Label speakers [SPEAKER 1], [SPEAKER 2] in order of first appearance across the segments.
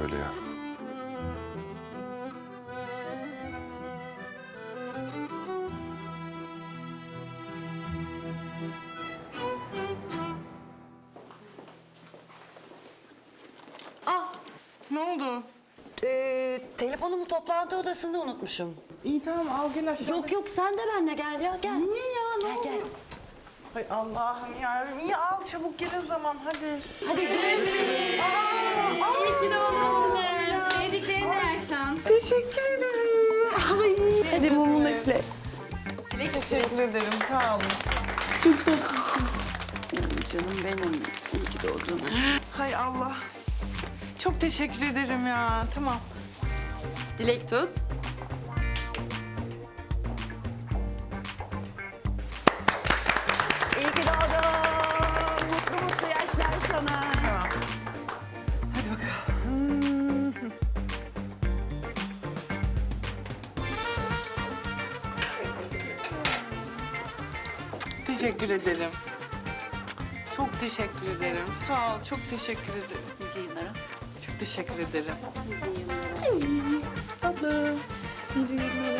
[SPEAKER 1] böyle ya?
[SPEAKER 2] Ne oldu?
[SPEAKER 3] Telefonumu toplantı odasında unutmuşum.
[SPEAKER 2] İyi tamam al gel aşağı.
[SPEAKER 3] Yok sen de benimle gel ya gel.
[SPEAKER 2] Niye ya? Ne oldu?
[SPEAKER 3] Gel.
[SPEAKER 2] Hay Allah'ım yarabbim. İyi al çabuk gel o zaman hadi.
[SPEAKER 3] Hadi Zeynep. İyi ki doğdun.
[SPEAKER 4] Sevdiklerine yaşlan.
[SPEAKER 2] Teşekkür ederim. Ay. Hadi mumunu üfle.
[SPEAKER 4] Dilek
[SPEAKER 2] Teşekkür ederim sağ olun.
[SPEAKER 3] Canım benim. İyi ki doğdun.
[SPEAKER 2] Hay Allah. Çok teşekkür ederim ya. Tamam.
[SPEAKER 4] Dilek tut.
[SPEAKER 3] İyi ki doğdun. Mutlu mutlu yaşlar sana.
[SPEAKER 2] Tamam. Hadi bakalım. Teşekkür ederim. Çok teşekkür ederim. Sağ ol. Çok teşekkür ederim.
[SPEAKER 4] Nice yıllara.
[SPEAKER 2] Çok teşekkür ederim.
[SPEAKER 4] Nice yıllara.
[SPEAKER 2] Tatlım.
[SPEAKER 4] Nice yıllara.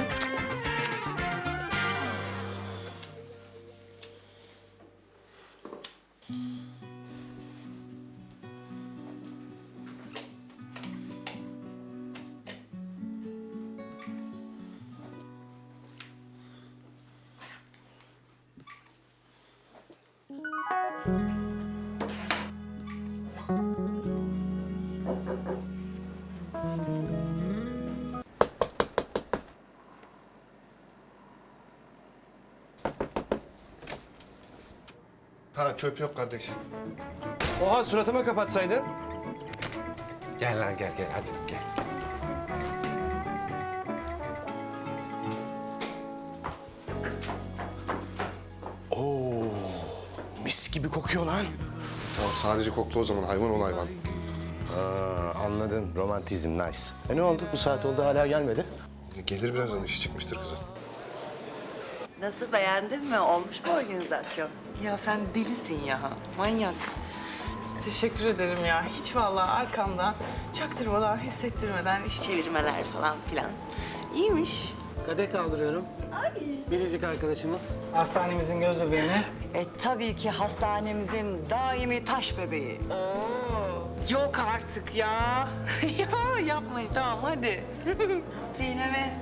[SPEAKER 1] Ha çöp yok kardeş.
[SPEAKER 5] Oha suratıma kapatsaydın.
[SPEAKER 1] Gel lan gel açtım gel.
[SPEAKER 5] Oo, mis gibi kokuyor lan.
[SPEAKER 1] Tamam sadece kokla o zaman hayvan ol hayvan.
[SPEAKER 5] Anladın romantizm nice. Ne oldu bu saat oldu hala gelmedi.
[SPEAKER 1] Gelir birazdan işi çıkmıştır kızın.
[SPEAKER 3] Nasıl beğendin mi? Olmuş mu organizasyon?
[SPEAKER 2] Ya sen delisin ya. Manyak. Teşekkür ederim ya. Hiç vallahi arkamdan çaktırmadan, hissettirmeden iş
[SPEAKER 3] Çevirmeler falan filan. İyiymiş.
[SPEAKER 6] Kadeh kaldırıyorum. Biricik arkadaşımız. Hastanemizin göz bebeğine.
[SPEAKER 3] Tabii ki hastanemizin daimi taş bebeği.
[SPEAKER 2] Yok artık ya. Ya yapmayın tamam hadi.
[SPEAKER 3] Sineme.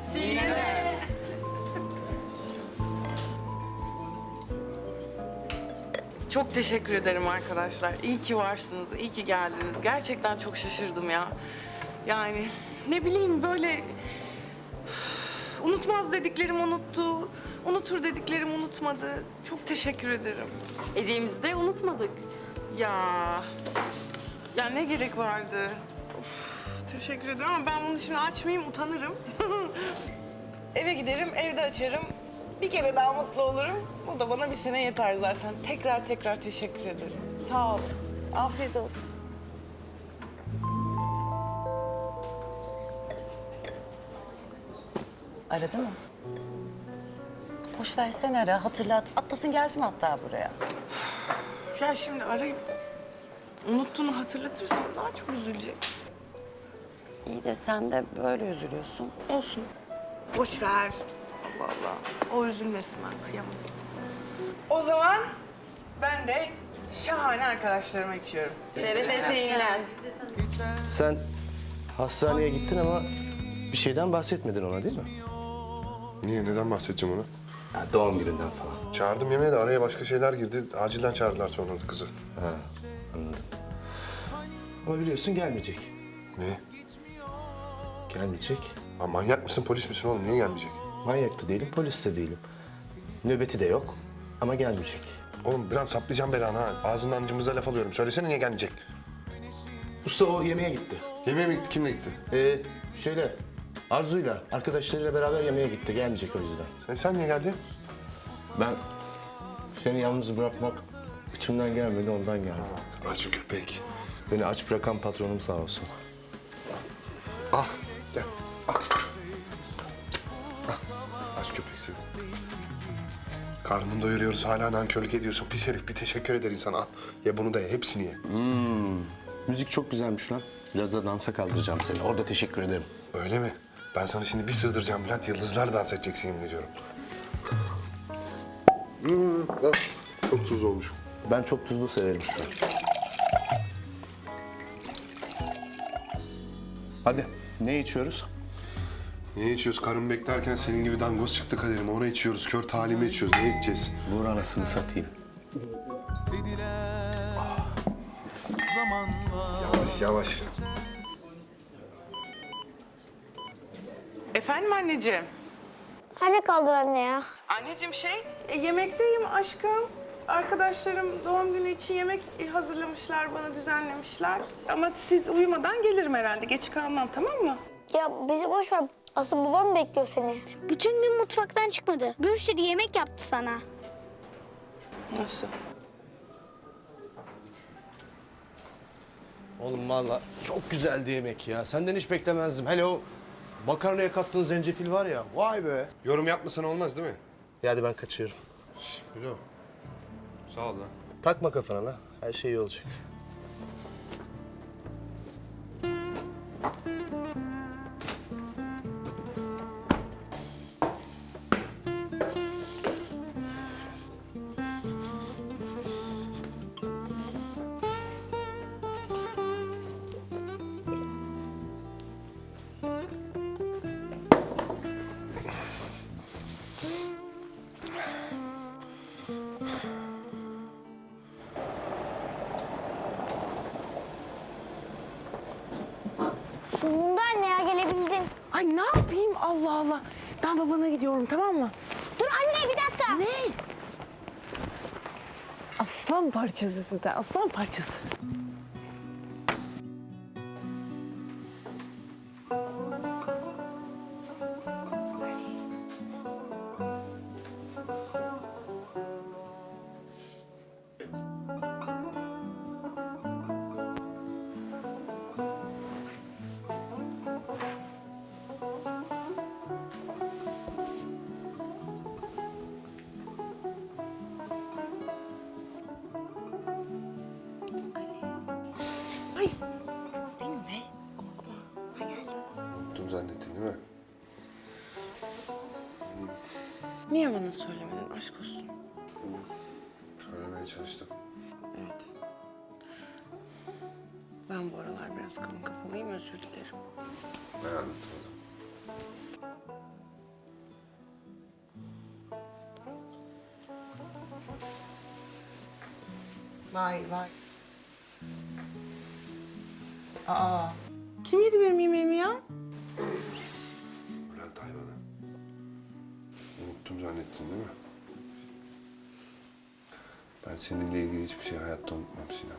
[SPEAKER 2] Çok teşekkür ederim arkadaşlar. İyi ki varsınız, iyi ki geldiniz. Gerçekten çok şaşırdım ya. Yani ne bileyim böyle... unutmaz dediklerim unuttu, unutur dediklerim unutmadı. Çok teşekkür ederim.
[SPEAKER 4] Hediyemizi de unutmadık.
[SPEAKER 2] Ya ne gerek vardı? Of, teşekkür ederim ama ben bunu şimdi açmayayım, utanırım. Eve giderim, evde açarım. Bir kere daha mutlu olurum. O da bana bir sene yeter zaten. Tekrar teşekkür ederim. Sağ ol. Afiyet olsun.
[SPEAKER 3] Aradı mı? Boş versene ara, hatırlat. Atlasın gelsin hatta buraya.
[SPEAKER 2] Ya şimdi arayıp unuttuğunu hatırlatırsam daha çok üzülecek.
[SPEAKER 3] İyi de sen de böyle üzülüyorsun.
[SPEAKER 2] Olsun. Boş ver. Allah Allah. O üzülmesin ben kıyamam. O zaman ben de şahane arkadaşlarıma içiyorum.
[SPEAKER 3] Şerefesiyle.
[SPEAKER 5] Sen hastaneye gittin ama bir şeyden bahsetmedin ona değil mi?
[SPEAKER 1] Niye neden bahsedeceğim onu?
[SPEAKER 5] Ya, doğum gününden falan.
[SPEAKER 1] Çağırdım yemeğe de araya başka şeyler girdi. Acilden çağırdılar sonra da kızı.
[SPEAKER 5] Ha, anladım. Ama biliyorsun gelmeyecek.
[SPEAKER 1] Niye?
[SPEAKER 5] Gelmeyecek.
[SPEAKER 1] Aa, manyak mısın polis misin oğlum niye gelmeyecek?
[SPEAKER 5] Manyak da değilim, polis de değilim. Nöbeti de yok ama gelmeyecek.
[SPEAKER 1] Oğlum bir an saplayacağım belanı ha. Ağzından cımbızla laf alıyorum. Söylesene niye gelmeyecek?
[SPEAKER 5] Usta o yemeğe gitti.
[SPEAKER 1] Yemeğe mi gitti? Kimle gitti?
[SPEAKER 5] Şöyle Arzu'yla, arkadaşlarıyla beraber yemeğe gitti. Gelmeyecek o yüzden.
[SPEAKER 1] Sen niye geldin?
[SPEAKER 5] Ben seni yalnız bırakmak içimden gelmedi, ondan geldi.
[SPEAKER 1] Aç köpek.
[SPEAKER 5] Beni aç bırakan patronum sağ olsun.
[SPEAKER 1] Ah gel. Ah. Ah. Aç köpek seni. Karnını doyuruyoruz hala nankörlük ediyorsun. Pis herif bir teşekkür eder insana. Al. Ye bunu da ye. Hepsini ye.
[SPEAKER 5] Müzik çok güzelmiş lan. Biraz da dansa kaldıracağım seni. Orada teşekkür ederim.
[SPEAKER 1] Öyle mi? Ben sana şimdi bir sığdıracağım Bülent. Yıldızlar dans edeceksin yemin ediyorum. Çok tuzlu olmuş.
[SPEAKER 5] Ben çok tuzlu severim şu an. Hadi ne içiyoruz?
[SPEAKER 1] Ne içiyoruz? Karın beklerken senin gibi dangoz çıktı kaderim. Onu içiyoruz. Kör talimi içiyoruz. Ne içeceğiz?
[SPEAKER 5] Vur anasını satayım.
[SPEAKER 1] Yavaş yavaş.
[SPEAKER 2] Efendim anneciğim?
[SPEAKER 7] Nerede kaldın anne ya?
[SPEAKER 2] Anneciğim yemekteyim aşkım. Arkadaşlarım doğum günü için yemek hazırlamışlar, bana düzenlemişler. Ama siz uyumadan gelirim herhalde. Geç kalmam, tamam mı?
[SPEAKER 7] Ya bizi boş ver. Asıl babam bekliyor seni. Bütün gün mutfaktan çıkmadı. Bir sürü yemek yaptı sana.
[SPEAKER 2] Nasıl?
[SPEAKER 5] Oğlum vallahi çok güzeldi yemek ya. Senden hiç beklemezdim. Hele o makarnaya kattığın zencefil var ya. Vay be.
[SPEAKER 1] Yorum yapmasan olmaz değil mi?
[SPEAKER 5] Ya hadi ben kaçıyorum.
[SPEAKER 1] Bilo. Sağ ol lan.
[SPEAKER 5] Takma kafana la. Her şey iyi olacak.
[SPEAKER 7] Sonunda anne ya gelebildin.
[SPEAKER 2] Ay ne yapayım Allah Allah. Ben babana gidiyorum, tamam mı?
[SPEAKER 7] Dur anne bir dakika.
[SPEAKER 2] Ne? Aslan parçası size, aslan parçası. Ay, benim be. Korkma. Ha geldim.
[SPEAKER 1] Unuttum zannettin değil mi?
[SPEAKER 2] Niye bana söylemedin? Aşk olsun.
[SPEAKER 1] Söylemeye çalıştım.
[SPEAKER 2] Evet. Ben bu aralar biraz kalın kafalıyım, özür dilerim.
[SPEAKER 1] Ben anlatmadım.
[SPEAKER 2] Vay vay. Aa. Kim yedi benim yemeğimi ya?
[SPEAKER 1] Bülent hayvanı. Unuttum zannettin değil mi? Ben seninle ilgili hiçbir şey hayatta unutmam Sinem.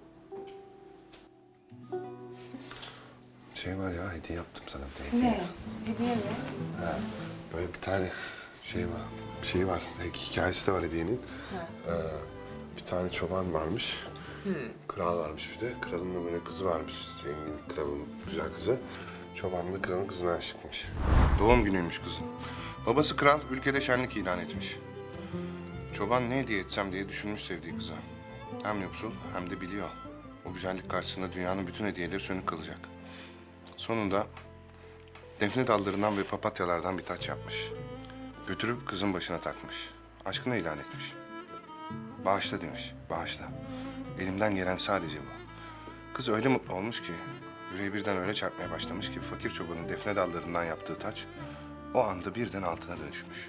[SPEAKER 1] Şey var ya, hediye yaptım sana bir de hediye.
[SPEAKER 2] Ne? Hediye mi?
[SPEAKER 1] Ha, böyle bir tane şey var. Hikayesi de var hediyenin. Bir tane çoban varmış. Kral varmış bir de. Kralın da böyle kızı varmış. Zengin kralın güzel kızı. Çoban da kralın kızına aşıkmış. Doğum günüymüş kızın. Babası kral ülkede şenlik ilan etmiş. Çoban ne hediye etsem diye düşünmüş sevdiği kıza. Hem yoksul hem de biliyor. O güzellik karşısında dünyanın bütün hediyeleri sönük kalacak. Sonunda defne dallarından ve papatyalardan bir taç yapmış. Götürüp kızın başına takmış. Aşkını ilan etmiş. Bağışla demiş, bağışla. Elimden gelen sadece bu. Kız öyle mutlu olmuş ki, yüreği birden öyle çarpmaya başlamış ki fakir çobanın defne dallarından yaptığı taç o anda birden altına dönüşmüş.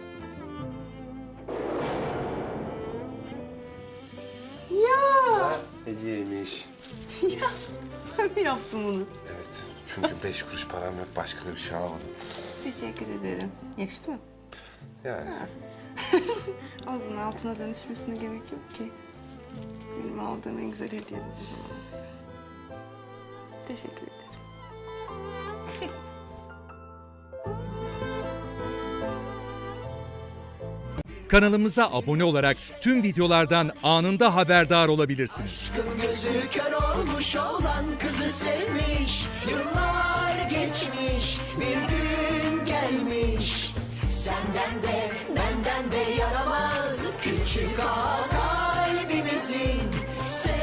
[SPEAKER 2] Ya
[SPEAKER 1] Hediyeymiş.
[SPEAKER 2] ben mi yaptım bunu?
[SPEAKER 1] Evet, çünkü 5 kuruş param yok, başka da bir şey almadım.
[SPEAKER 2] Teşekkür ederim. Yakıştı mı?
[SPEAKER 1] Yani
[SPEAKER 2] Ağzının altına dönüşmesine gerek yok ki. Benim aldığım en güzel hediye bu zaman. Teşekkür ederim.
[SPEAKER 8] Kanalımıza abone olarak tüm videolardan anında haberdar olabilirsiniz.
[SPEAKER 9] Gözü kör olmuş olan kızı sevmiş. Yıllar geçmiş, bir gün gelmiş. Senden de benden de yaramaz küçük ağa kalbimizin.